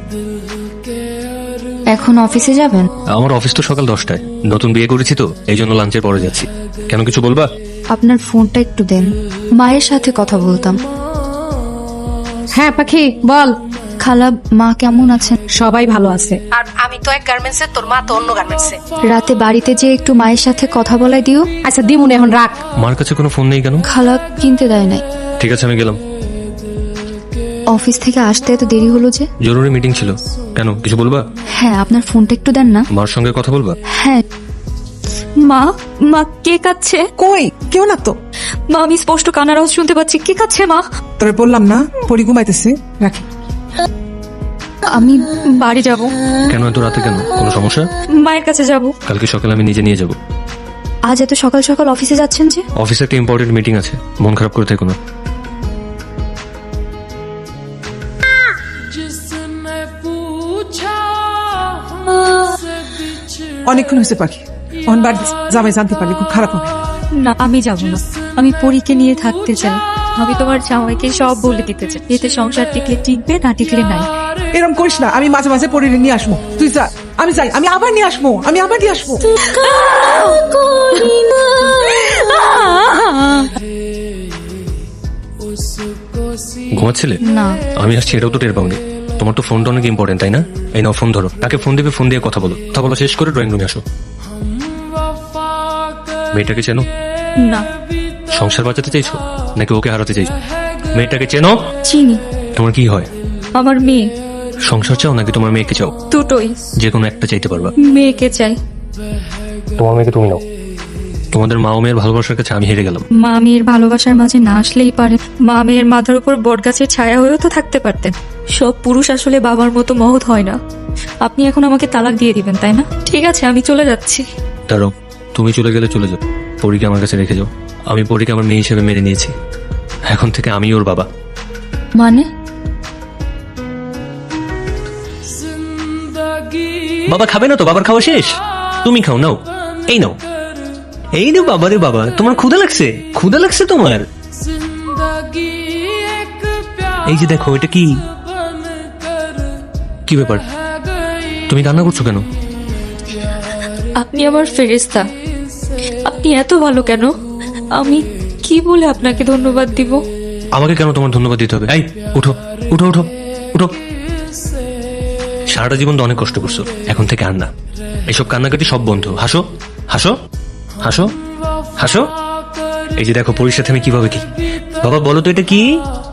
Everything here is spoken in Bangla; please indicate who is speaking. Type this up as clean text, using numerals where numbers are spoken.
Speaker 1: এখন অফিসে যাবেন?
Speaker 2: আমার অফিস তো সকাল 10টায়। নতুন বিয়ে করেছি তো, এই জন্য লাঞ্চের পরে যাচ্ছি। কেন, কিছু বলবা?
Speaker 1: আপনার ফোনটা একটু দেন, মায়ের সাথে কথা বলতাম।
Speaker 3: হ্যাঁ পাখি বল।
Speaker 1: খালা, মা কেমন আছেন?
Speaker 3: সবাই ভালো আছে। আর আমি তো এক গার্মেন্টসে, তোর মা তো অন্য গার্মেন্টসে।
Speaker 1: রাতে বাড়িতে যে একটু মায়ের সাথে কথা বলাই দিও।
Speaker 3: আচ্ছা দিমুন, এখন রাখ।
Speaker 2: মার কাছে কোনো ফোন নেই কেন?
Speaker 1: খালা কিনতে দেয় নাই।
Speaker 2: ঠিক আছে, আমি গেলাম।
Speaker 1: অফিস থেকে আসতে এত দেরি হলো যে?
Speaker 2: জরুরি মিটিং ছিল। কেন, কিছু বলবা?
Speaker 1: হ্যাঁ, আপনার ফোনটা একটু দেন না।
Speaker 2: মার সঙ্গে কথা বলবা?
Speaker 1: হ্যাঁ। মা, মা কে কাচ্ছে?
Speaker 4: কই কেউ না তো।
Speaker 1: মা, আমি স্পষ্ট কান্নার আওয়াজ শুনতে পাচ্ছি। কে কাচ্ছে মা?
Speaker 4: তবে বললাম না পরি ঘুমাইতেছে, রাখি।
Speaker 1: আমি বাড়ি যাব।
Speaker 2: কেন এত রাতে, কেন কোনো সমস্যা?
Speaker 1: মায়ের কাছে যাব।
Speaker 2: কালকে সকালে আমি নিজে নিয়ে যাব।
Speaker 1: আজ এত সকাল সকাল অফিসে যাচ্ছেন যে?
Speaker 2: অফিসে একটা ইম্পর্টেন্ট মিটিং আছে, মন খারাপ করে থেকো না।
Speaker 4: অনেকক্ষণ হয়েছে পাখি, অন বাড়ি জামাই জানতে পারলে খুব খারাপ হবে।
Speaker 1: না, আমি যাব না। আমি পরীকে নিয়ে থাকতে চাই। আমি তোমার জামাইকে সব বলে দিতে চাই। এতে সংসার টিকলে টিকবে, না টিকলে নাই।
Speaker 4: এরকম করিস না, আমি মাঝে মাঝে পরি নিয়ে আসবো। তুই যা, আমি যাই, আমি আবার নিয়ে আসবো, আমি আবার নিয়ে আসবো।
Speaker 2: ঘুমাচ্ছিলে?
Speaker 1: না।
Speaker 2: আমি আসছি এটাও তো টের পাওনি। তোমার তো ফোনটা অনেক ইম্পর্টেন্ট, তাই না? এই নাও ফোন ধরো, তাকে ফোন দিবে, ফোন দিয়ে কথা বলো। কথা বলা শেষ করে ড্রয়িং রুমে আসো। মেয়েটাকে চেনো?
Speaker 1: না।
Speaker 2: সংসার বাঁচাতে চাইছো নাকি ওকে হারাতে চাইছো? মেয়েটাকে চেনো?
Speaker 1: চিনি।
Speaker 2: তোমার কি হয়?
Speaker 1: আমার মেয়ে।
Speaker 2: সংসার চাও নাকি তোমার মেয়েকে চাও?
Speaker 1: দুটোই।
Speaker 2: যে কোনো একটা চাইতে পারবা।
Speaker 1: মেয়েকে চাই।
Speaker 2: তোমার মেয়েকে তুমি নাও। তোমাদের মা ও মেয়ের ভালোবাসার কাছে আমি হেরে গেলাম।
Speaker 1: মা মেয়ের ভালোবাসার মাঝে না আসলেই পারে। মা মেয়ের মাথার উপর বটগাছের ছায়া হয়েও তো থাকতে পারতেন। সব পুরুষ আসলে বাবার মতো মহৎ হয় না। আপনি এখন আমাকে তালাক দিয়ে দিবেন, তাই না? ঠিক আছে, আমি চলে যাচ্ছি।
Speaker 2: দাঁড়াও, তুমি চলে গেলে চলে যাও, পরীকে আমার কাছে রেখে যাও। আমি পরীকে আমার মেয়ে হিসেবে মেনে নিয়েছি। এখন থেকে আমি ওর বাবা।
Speaker 1: মানে?
Speaker 2: বাবা খাবে না তো? বাবার খাওয়া শেষ, তুমি খাও। নাও, এই নাও, এই নাও। বাবা রে বাবা, তোমার ক্ষুধা লাগছে? ক্ষুধা লাগছে তোমার? এই যে দেখো, এটা কি? কি ব্যাপার, তুমি কান্না করছো কেন?
Speaker 1: আপনি আমার ফেরেশতা। আপনি এত ভালো কেন? আমি কি বলে আপনাকে ধন্যবাদ দিব?
Speaker 2: আমাকে কেন তোমার ধন্যবাদ দিতে হবে? এই উঠো, উঠো, উঠো, উঠো। সারাটা জীবন তো অনেক কষ্ট করছো, এখন থেকে আর না। এসব কান্নাকাটি সব বন্ধ। হাসো, হাসো, হাসো, হাসো। এই যে দেখো, পরীর সাথে আমি কিভাবে কি। বাবা বলো তো এটা কি?